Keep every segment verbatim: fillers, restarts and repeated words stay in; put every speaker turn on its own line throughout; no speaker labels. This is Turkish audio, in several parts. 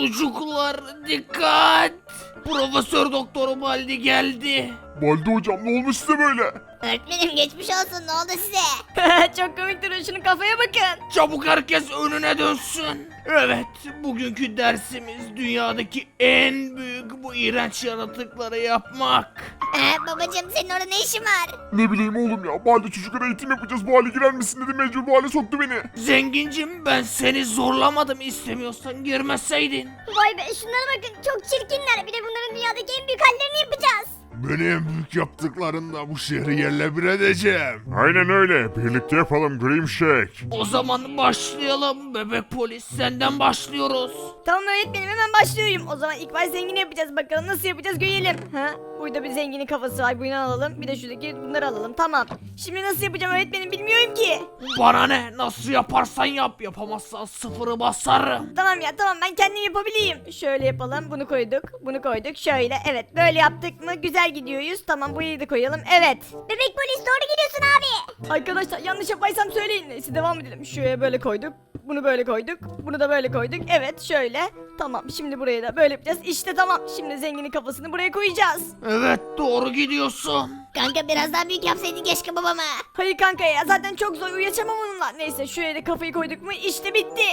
Çocuklar dikkat. Profesör Doktor Baldi geldi.
Baldi hocam ne olmuş size böyle?
Öğretmenim geçmiş olsun, ne oldu size?
Çok komik duruyor, şunun kafaya bakın.
Çabuk herkes önüne dönsün. Evet, bugünkü dersimiz dünyadaki en büyük bu iğrenç yaratıkları yapmak.
Ee, babacım senin orada ne işin var?
Ne bileyim oğlum ya. Baldi çocuklara eğitim yapacağız. Bu hale girer misin dedi, mecbur bu hale soktu beni.
Zengincim, ben seni zorlamadım, istemiyorsan girmeseydin.
Vay be, şunlara bakın, çok çirkinler. Bir de bunların dünyadaki en büyük hallerini yapacağız.
Beni en büyük yaptıklarında bu şehri yerle bir edeceğim. Aynen öyle. Birlikte yapalım Grim Shake.
O zaman başlayalım bebek polis, senden başlıyoruz.
Tamam öğretmenim, hemen başlıyorum. O zaman ilk baş zengini yapacağız, bakalım nasıl yapacağız görelim. Ha? Burada bir zenginin kafası var, bunu alalım. Bir de şuradaki bunları alalım, tamam. Şimdi nasıl yapacağım öğretmenim, bilmiyorum ki.
Bana ne, nasıl yaparsan yap, yapamazsan sıfırı basarım.
Tamam ya, tamam, ben kendim yapabileyim. Şöyle yapalım, bunu koyduk, bunu koyduk, şöyle. Evet, böyle yaptık mı güzel gidiyoruz. Tamam, burayı da koyalım, evet.
Bebek polis, doğru gidiyorsun abi.
Arkadaşlar yanlış yapaysam söyleyin. Neyse devam edelim. Şuraya böyle koyduk. Bunu böyle koyduk. Bunu da böyle koyduk. Evet şöyle. Tamam, şimdi burayı da böyle yapacağız. İşte tamam. Şimdi zenginin kafasını buraya koyacağız.
Evet, doğru gidiyorsun.
Kanka biraz daha büyük yapsaydın keşke babama.
Hayır kanka ya, zaten çok zor, uyuyaçamam onunla. Neyse şuraya da kafayı koyduk mu işte bitti.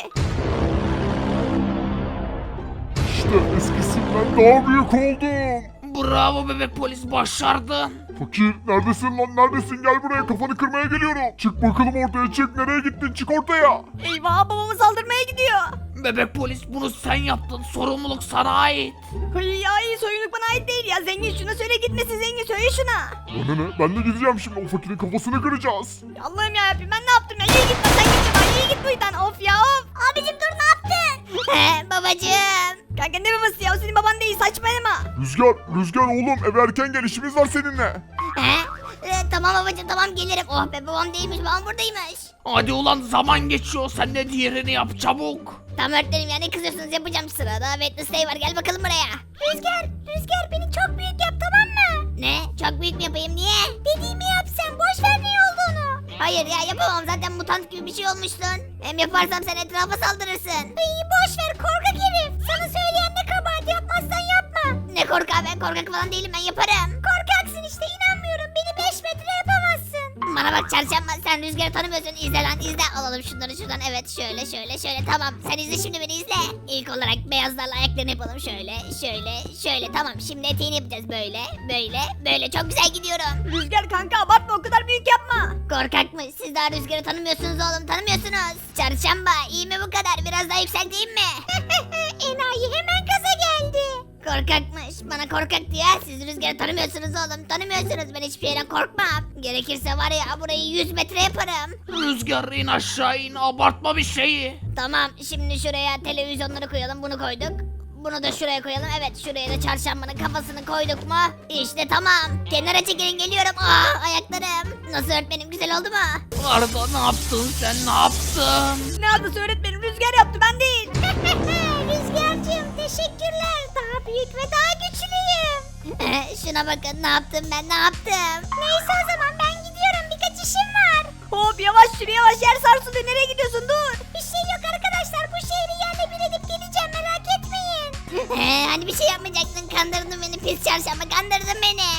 İşte eskisinden daha büyük oldum.
Bravo bebek polis, başardın.
Fakir neredesin lan, neredesin? Gel buraya, kafanı kırmaya geliyorum. Çık bakalım ortaya, çık. Nereye gittin? Çık ortaya.
Eyvah, babamı saldırmaya gidiyor.
Bebek polis, bunu sen yaptın, sorumluluk sana ait.
Hayır ya, iyi soyunluk bana ait değil ya. Zengin şuna söyle gitmesin, zengin söyle şuna.
Bana ne? Ben de gideceğim şimdi, o fakirin kafasını kıracağız.
Ya Allah'ım yarabbim, ben ne yaptım ya? İyi gitme sen, git şuradan, iyi git buradan. Of ya of.
Abicim dur, ne yaptın? He babacım.
Kanka ne babası ya, o senin baban değil, saçmalama.
Rüzgar, Rüzgar oğlum, eve erken gel, işimiz var seninle.
He? Ee, tamam babacım, tamam gelirim. Oh be, babam değilmiş, babam buradaymış.
Hadi ulan, zaman geçiyor, sen de diğerini yap çabuk.
Tamam öğretmenim ya, ne kızıyorsunuz, yapacağım sırada. Wednesday var, gel bakalım buraya. Rüzgar, Rüzgar beni çok büyük yap, tamam mı? Ne? Çok büyük mü yapayım, niye? Dediğimi yap sen, boş ver ne olduğunu. Hayır ya, yapamam, zaten mutant gibi bir şey olmuştun. Hem yaparsam sen etrafa saldırırsın. İyi boş ver korkak herif. Sana söyleyen ne kabahat, yapmazsan yapma. Ne korkak, ben korkak falan değilim, ben yaparım. Korkaksın işte, inanmıyorum, beni beş metre yapamazsın. Bana bak çarşamba, sen Rüzgar'ı tanımıyorsun, izle lan izle. Alalım şunları şuradan, evet şöyle şöyle şöyle, tamam. Sen izle şimdi, beni izle. İlk olarak beyazlarla ayaklarını yapalım, şöyle şöyle şöyle, tamam. Şimdi eteğini yapacağız, böyle böyle böyle, çok güzel gidiyorum.
Rüzgar kanka, abartma, o kadar büyük yapma.
Korkak mı? Siz daha Rüzgar'ı tanımıyorsunuz oğlum, tanımıyorsunuz. Çarşamba, iyi mi bu kadar? Biraz daha yükselteyim mi? Enayi hemen gaza geldi. Korkakmış. Bana korkak diyor. Siz Rüzgar'ı tanımıyorsunuz oğlum, tanımıyorsunuz. Ben hiçbir şeyden korkmam. Gerekirse var ya, burayı yüz metre yaparım.
Rüzgar, in aşağı in, abartma bir şeyi.
Tamam, şimdi şuraya televizyonları koyalım, bunu koyduk. Bunu da şuraya koyalım. Evet, şuraya da çarşambanın kafasını koyduk mu? İşte tamam. Kenara çekilin, geliyorum. Aa, ayaklarım. Nasıl öğretmenim, güzel oldu mu?
Arda, ne yaptın sen, ne yaptın?
Ne adası öğretmenim, Rüzgar yaptı, ben değil.
Rüzgar'cığım teşekkürler. Daha büyük ve daha güçlüyüm. Şuna bakın, ne yaptım ben, ne yaptım? Neyse o zaman ben gidiyorum, birkaç işim var.
Hop yavaş sür, yavaş, yer sarsılıyor, nereye gidiyorsun, dur.
Bir şey yok arkadaşlar, bu şehri yerle bir edip geleceğim, merak etmeyin. Hani bir şey yapmayacaktın, kandırdın beni pis çarşamba, kandırdın beni.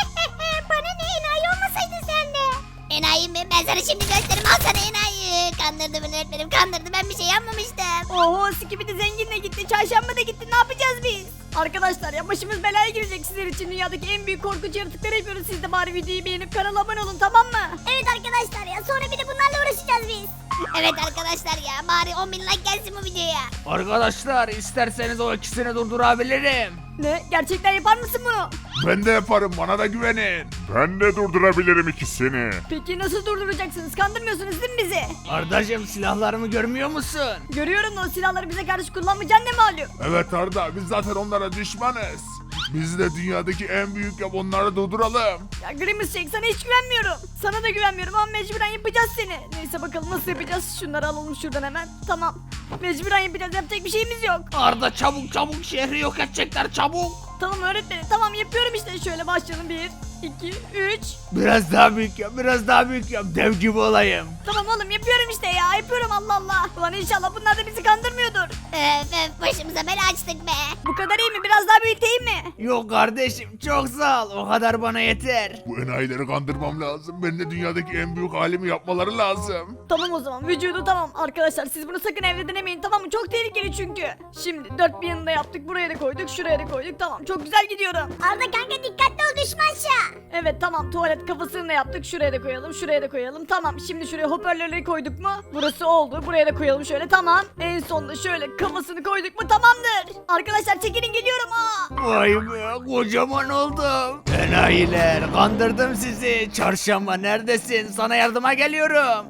Bana ne, enayi olmasaydın sen de. Enayi mi? Ben sana şimdi gösteririm, al sana enayi. Kandırdı beni öğretmenim, kandırdı, ben bir şey yapmamıştım.
Oho, Skibidi zenginle gitti, çarşamba da gitti, ne yapacağız biz? Arkadaşlar ya, başımız belaya girecek, sizler için dünyadaki en büyük korkunç yaratıkları yapıyoruz. Siz de bari videoyu beğenip kanala abone olun, tamam mı?
Evet arkadaşlar ya, sonra bir de bunlarla uğraşacağız biz. Evet arkadaşlar ya, bari on bin like gelsin bu videoya.
Arkadaşlar, isterseniz o ikisini durdurabilirim.
Ne? Gerçekten yapar mısın bunu?
Ben de yaparım, bana da güvenin. Ben de durdurabilirim ikisini.
Peki nasıl durduracaksınız? Kandırmıyorsunuz değil mi bizi?
Ardacığım, silahlarımı görmüyor musun?
Görüyorum da o silahları bize karşı kullanmayacaksın ne malum?
Evet Arda, biz zaten onlara düşmanız. Biz de dünyadaki en büyük yap, onları durduralım.
Ya Grimace Shake, sana hiç güvenmiyorum. Sana da güvenmiyorum ama mecburen yapacağız seni. Neyse bakalım nasıl yapacağız? Şunları alalım şuradan hemen. Tamam. Mecburen yapacağız, yapacak bir şeyimiz yok.
Arda, çabuk çabuk, şehri yok edecekler, çabuk.
Tamam öğretmenim, tamam yapıyorum işte. Şöyle başlayalım, bir, iki, üç.
Biraz daha büyük yap, biraz daha büyük yap, dev gibi olayım.
Tamam oğlum, yapıyorum işte ya, yapıyorum, Allah Allah. Ulan inşallah bunlar da bizi kandırmıyordur.
Öf öf, başımıza bela açtı yapmıştık be.
Bu kadar iyi mi? Biraz daha büyüteyim mi?
Yok kardeşim çok sağ ol. O kadar bana yeter.
Bu enayileri kandırmam lazım. Ben de dünyadaki en büyük halimi yapmaları lazım.
Tamam o zaman vücudu tamam. Arkadaşlar siz bunu sakın evde denemeyin tamam mı? Çok tehlikeli çünkü. Şimdi dört bir yanında yaptık. Buraya da koyduk. Şuraya da koyduk. Tamam çok güzel gidiyorum.
Arda kanka dikkatli ol düşme aşağı.
Evet tamam tuvalet kafasını da yaptık. Şuraya da koyalım. Şuraya da koyalım. Tamam şimdi şuraya hoparlörleri koyduk mu? Burası oldu. Buraya da koyalım şöyle. Tamam. En sonunda şöyle kafasını koyduk mu? Tamamdır. Arkadaşlar çekilin geliyorum. Aa.
Vay be kocaman oldum. Enayiler kandırdım sizi. Çarşamba neredesin? Sana yardıma geliyorum.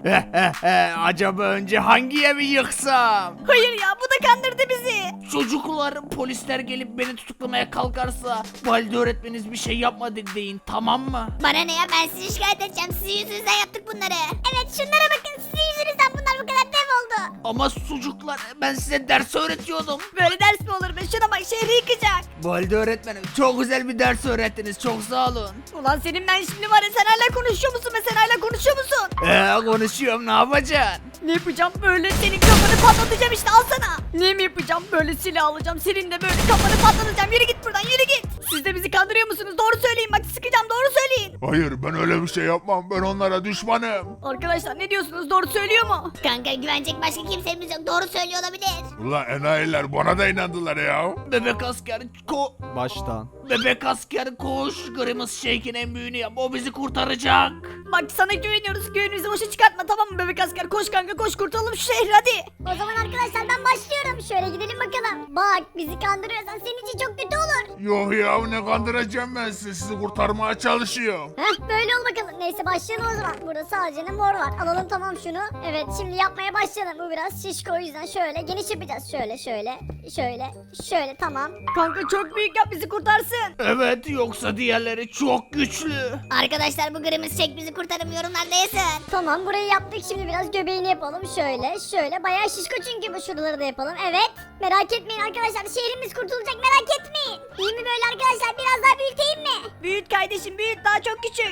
Acaba önce hangi evi yıksam?
Hayır ya bu da kandırdı bizi.
Çocuklar polisler gelip beni tutuklamaya kalkarsa valide öğretmeniniz bir şey yapmadı deyin tamam mı?
Bana ne ya ben sizi şikayet edeceğim. Sizin yüzünüzden yaptık bunları. Evet şunlara bakın sizin yüzünüzden bunlar bu kadar dev oldu.
Ama çocuklar ben size ders öğretiyordum.
Böyle ders mi olur be? Şuna bak şehri yıkacak.
Valide öğretmenim çok güzel bir ders öğrettiniz çok sağ olun.
Ulan senin ben şimdi var ya sen hala konuşuyor musun be sen hala konuşuyor musun?
Eee konuşuyorum ne yapacaksın?
Ne yapacağım böyle senin kafanı patlatacağım işte al sana. Ne mi yapacağım böyle silah alacağım senin de böyle kafanı patlatacağım yürü git buradan yürü git. Siz de bizi kandırıyor musunuz doğru söyleyin bak sıkacağım doğru söyleyin.
Hayır ben öyle bir şey yapmam. Ben onlara düşmanım.
Arkadaşlar ne diyorsunuz doğru söylüyor mu?
Kanka güvenecek başka kimsemiz yok. Doğru söylüyor olabilir.
Ulan enayiler bana da inandılar ya.
Bebek asker ko...
Baştan.
Bebek asker koş. Grimace Shake'in en büyüğünü yap o bizi kurtaracak.
Bak sana güveniyoruz güvenimizi boşa çıkartma tamam mı bebek asker koş kanka koş kurtulalım şu şehri hadi.
O zaman arkadaşlar ben başlıyorum. Şöyle gidelim bakalım. Bak bizi kandırıyorsan senin için çok kötü olur.
Yok ya ne kandıracağım ben sizi. Sizi kurtarmaya çalışıyorum.
Heh böyle ol bakalım. Neyse başlayalım o zaman. Burada sadece ne mor var. Alalım tamam şunu. Evet şimdi yapmaya başlayalım. Bu biraz şişko o yüzden şöyle geniş yapacağız. Şöyle şöyle şöyle şöyle tamam.
Kanka çok büyük yap bizi kurtarsın.
Evet yoksa diğerleri çok güçlü.
Arkadaşlar bu Grimace Shake bizi kurtarım yorumlarda yazın. Tamam burayı yaptık şimdi biraz göbeğini yapalım. Şöyle şöyle bayağı şişko çünkü bu şuraları da yapalım. Evet merak etmeyin arkadaşlar şehrimiz kurtulacak merak etmeyin. İyi mi böyle arkadaşlar biraz daha büyüteyim mi?
Büyüt kardeşim büyüt daha çok küçük.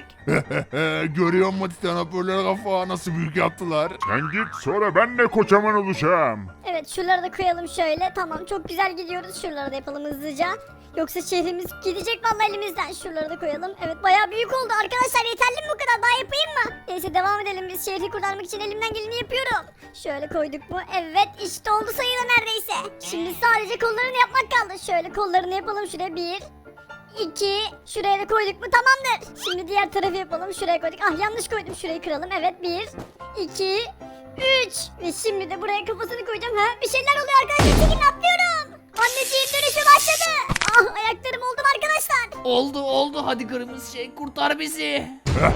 Görüyor musun titan hoparlör kafa nasıl büyük yaptılar? Sen git sonra ben de kocaman olacağım.
Evet şuraları da koyalım şöyle. Tamam çok güzel gidiyoruz. Şuraları da yapalım hızlıca. Yoksa şehrimiz gidecek vallahi elimizden. Şuraları da koyalım. Evet bayağı büyük oldu. Arkadaşlar yeterli mi bu kadar? Daha yapayım mı? Neyse devam edelim. Biz şehri kurtarmak için elimden geleni yapıyorum. Şöyle koyduk mu? Evet işte oldu sayılır neredeyse. Şimdi sadece kollarını yapmak kaldı. Şöyle kollarını yapalım şuraya. Bir, iki, şuraya da koyduk mu? Tamamdır. Şimdi diğer tarafı yapalım. Şuraya koyduk. Ah yanlış koydum. Şurayı kıralım. Evet bir, iki, üç. Ve şimdi de buraya kafasını koyacağım. Ha? Bir şeyler oluyor arkadaşlar. Çekin atlıyorum. Anneciğim dönüşü başladı. Ah ayaklarım oldu arkadaşlar.
Oldu oldu hadi Grimace Shake kurtar bizi.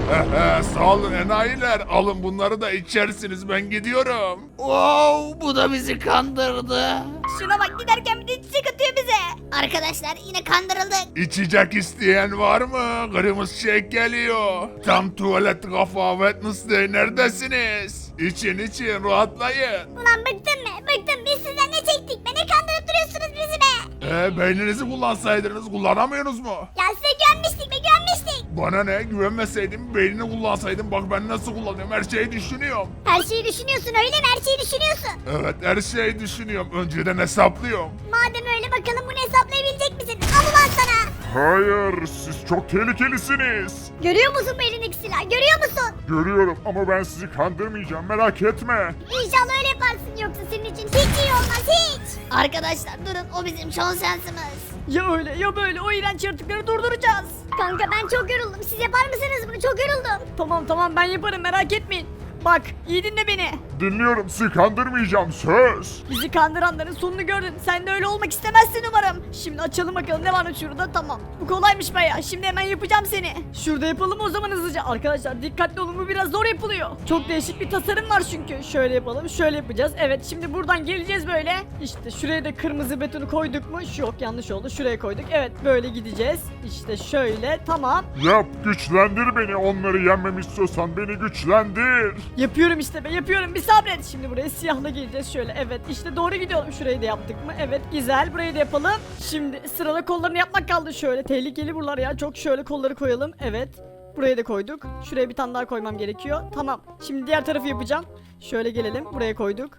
Sağ olun enayiler. Alın bunları da içersiniz ben gidiyorum.
Wow bu da bizi kandırdı.
Şuna bak giderken bir de çiçek atıyor bize.
Arkadaşlar yine kandırıldık.
İçecek isteyen var mı? Grimace Shake geliyor. Tam tuvalet kafa Wednesday neredesiniz? İçin için rahatlayın.
Ulan bıktım mı? Bıktım biz sizden ne çektik? Beni kandırıp duruyorsunuz bizi be.
Ee, beyninizi kullansaydınız kullanamıyorsunuz mu?
Ya size güvenmiştik be güvenmiştik.
Bana ne güvenmeseydim beynini kullansaydım bak ben nasıl kullanıyorum her şeyi düşünüyorum.
Her şeyi düşünüyorsun öyle mi? Her şeyi düşünüyorsun.
Evet her şeyi düşünüyorum önceden hesaplıyorum.
Madem öyle bakalım bunu hesaplayabilecek misin? Al ulan sana.
Hayır siz çok tehlikelisiniz.
Görüyor musun bu elindeki silahı? Görüyor musun?
Görüyorum ama ben sizi kandırmayacağım merak etme.
İnşallah öyle yaparsın yoksa senin için hiç iyi olmaz hiç. Arkadaşlar durun o bizim son şansımız.
Ya öyle ya böyle o iğrenç yaratıkları durduracağız.
Kanka ben çok yoruldum. Siz yapar mısınız bunu? Çok yoruldum.
Tamam tamam ben yaparım merak etmeyin. Bak iyi dinle beni.
Dinliyorum sizi kandırmayacağım söz.
Bizi kandıranların sonunu gördün. Sen de öyle olmak istemezsin umarım. Şimdi açalım bakalım ne var şurada tamam. Bu kolaymış bayağı. Şimdi hemen yapacağım seni. Şurada yapalım o zaman hızlıca. Arkadaşlar dikkatli olun bu biraz zor yapılıyor. Çok değişik bir tasarım var çünkü. Şöyle yapalım şöyle yapacağız. Evet şimdi buradan geleceğiz böyle. İşte şuraya da kırmızı betonu koyduk mu? Şu yok yanlış oldu. Şuraya koyduk. Evet böyle gideceğiz. İşte şöyle tamam.
Yap güçlendir beni onları yenmemi istiyorsan beni güçlendir.
Yapıyorum işte be yapıyorum bir sabret. Şimdi buraya siyahla geleceğiz şöyle. Evet işte doğru gidiyorum. Şurayı da yaptık mı? Evet güzel burayı da yapalım. Şimdi sırada kollarını yapmak kaldı şöyle. Tehlikeli buralar ya. Çok şöyle kolları koyalım. Evet. Buraya da koyduk. Şuraya bir tane daha koymam gerekiyor. Tamam. Şimdi diğer tarafı yapacağım. Şöyle gelelim. Buraya koyduk.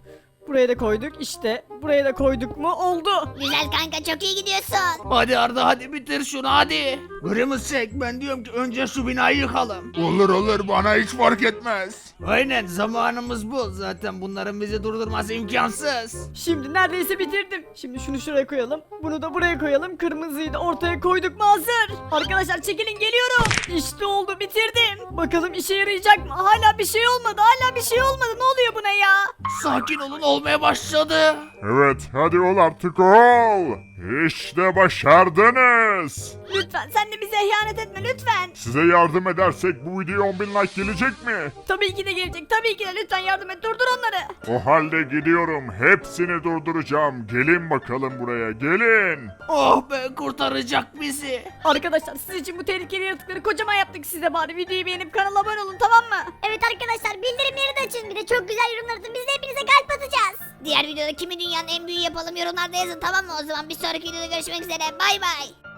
Buraya da koyduk işte. Buraya da koyduk mu oldu.
Güzel kanka çok iyi gidiyorsun.
Hadi Arda hadi bitir şunu hadi. Kırmızı çek ben diyorum ki önce şu binayı yıkalım.
Olur olur bana hiç fark etmez.
Aynen zamanımız bu. Zaten bunların bizi durdurması imkansız.
Şimdi neredeyse bitirdim. Şimdi şunu şuraya koyalım. Bunu da buraya koyalım. Kırmızıyı da ortaya koyduk mu hazır. Arkadaşlar çekilin geliyorum. İşte oldu bitirdim. Bakalım işe yarayacak mı? Hala bir şey olmadı. Hala bir şey olmadı. Ne oluyor buna ya?
Sakin olun olmaya başladı.
Evet hadi ol artık ol. İşte başardınız.
Lütfen sen de bize ihanet etme lütfen.
Size yardım edersek bu videoya on bin like gelecek mi?
Tabii ki de gelecek. Tabii ki de lütfen yardım et. Durdur onları.
O halde gidiyorum. Hepsini durduracağım. Gelin bakalım buraya. Gelin.
Oh be kurtaracak bizi.
Arkadaşlar siz için bu tehlikeli yaratıkları kocaman yaptık size bari. Videoyu beğenip kanala abone olun tamam mı?
Evet arkadaşlar bildirimleri de açın. Bir de çok güzel yorumlar atın. Biz de hepinize kalp atacağız. Diğer videoda kimi dünyanın en büyüğü yapalım yorumlarda yazın tamam mı? O zaman bir sonraki videoda görüşmek üzere. Bay bay.